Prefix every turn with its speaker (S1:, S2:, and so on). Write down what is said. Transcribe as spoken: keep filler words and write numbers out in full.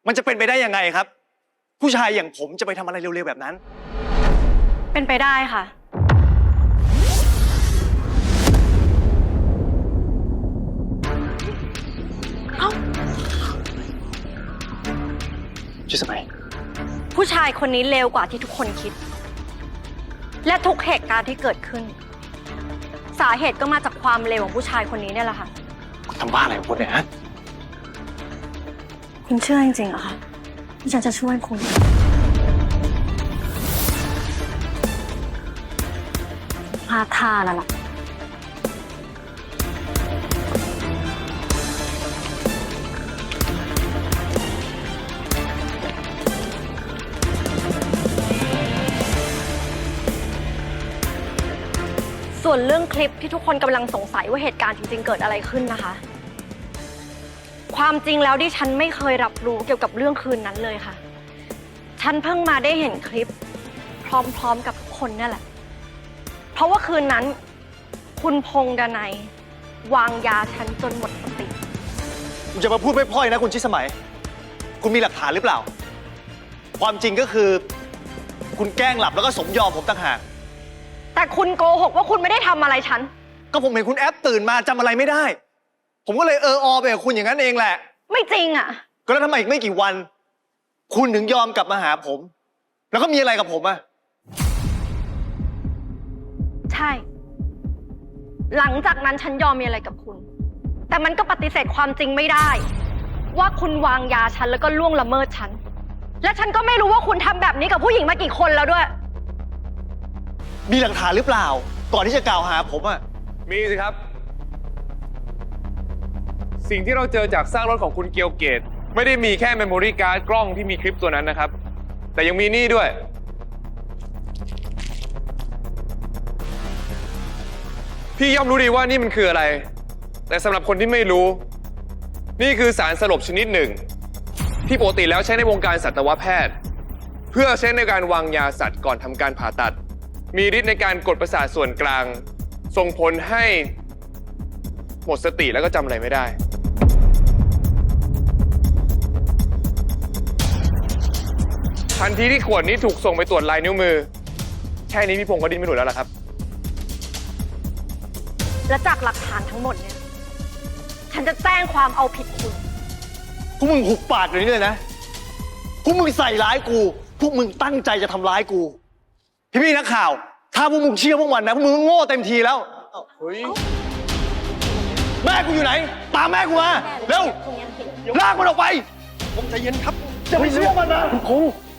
S1: มันจะเป็นไปได้ยังไงครับผู้ชายอย่างผมจะไปทำอะไรเร็วๆแบบนั้น
S2: เป็นไปได้ค่ะเอ้า
S1: ชื่อสมัย
S2: ผู้ชายคนนี้เลวกว่าที่ทุกคนคิดและทุกเหตุการณ์ที่เกิดขึ้นสาเหตุก็มาจากความเลวของผู้ชายคนนี้เนี่ยแหละค่ะ
S1: คุณทำบ้าอะไรของคุณเนี่ยฮะ
S2: คุณเชื่อจริงๆเหรอคะที่ฉันจะช่วยคุณพลาดท่าแล้วล่ะส่วนเรื่องคลิปที่ทุกคนกำลังสงสัยว่าเหตุการณ์จริงๆเกิดอะไรขึ้นนะคะความจริงแล้วดิฉันไม่เคยรับรู้เกี่ยวกับเรื่องคืนนั้นเลยค่ะฉันเพิ่งมาได้เห็นคลิปพร้อมๆกับทุกคนนี่แหละเพราะว่าคืนนั้นคุณพงษ์ดนัยวางยาฉันจนหมดสติ
S1: คุณจะมาพูดไม่พร่อยนะคุณชิสมัยคุณมีหลักฐานหรือเปล่าความจริงก็คือคุณแกล้งหลับแล้วก็สมยอมผมต่างหาก
S2: แต่คุณโกหกว่าคุณไม่ได้ทำอะไรฉัน
S1: ก็ผมเห็นคุณแอปตื่นมาจำอะไรไม่ได้ผมก็เลยเอออไปกับคุณอย่างนั้นเองแหละ
S2: ไม่จริงอ่ะ
S1: ก็แล้วทำไมอีกไม่กี่วันคุณถึงยอมกลับมาหาผมแล้วก็มีอะไรกับผมอะ
S2: ใช่หลังจากนั้นฉันยอมมีอะไรกับคุณแต่มันก็ปฏิเสธความจริงไม่ได้ว่าคุณวางยาฉันแล้วก็ล่วงละเมิดฉันและฉันก็ไม่รู้ว่าคุณทำแบบนี้กับผู้หญิงมากี่คนแล้วด้วย
S1: มีหลักฐานหรือเปล่าก่อนที่จะกล่าวหาผมอะ
S3: มีสิครับสิ่งที่เราเจอจากซากรถของคุณเกียวเกตไม่ได้มีแค่เมมโมรี่การ์ดกล้องที่มีคลิปตัวนั้นนะครับแต่ยังมีนี่ด้วยพี่ย่อมรู้ดีว่านี่มันคืออะไรแต่สำหรับคนที่ไม่รู้นี่คือสารสลบชนิดหนึ่งที่ปกติแล้วใช้ในวงการสัตวแพทย์เพื่อใช้ในการวางยาสัตว์ก่อนทำการผ่าตัดมีฤทธิ์ในการกดประสาทส่วนกลางส่งผลให้หมดสติแล้วก็จำอะไรไม่ได้ทันทีที่ขวดนี้ถูกส่งไปตรวจลายนิ้วมือแค่นี้พี่พงศ์ก็ดิ้นไม่หลุดแล้วล่ะครับ
S2: และจากหลักฐานทั้งหมดเนี่ยฉันจะแจ้งความเอาผิดคุณ
S1: พวกมึงหุบปากอย่างนี้เลยนะพวกมึงใส่ร้ายกูพวกมึงตั้งใจจะทำร้ายกูพี่พี่นักข่าวถ้าพวกมึงเชื่อพวกมันนะพวกมึงโง่เต็มทีแล้วเฮ้ยแม่กูอยู่ไหนตามแม่กูมาเร็วลากมันออกไปผมใจเย็นครับจะไปเชื่อมันนะคุณพงษ์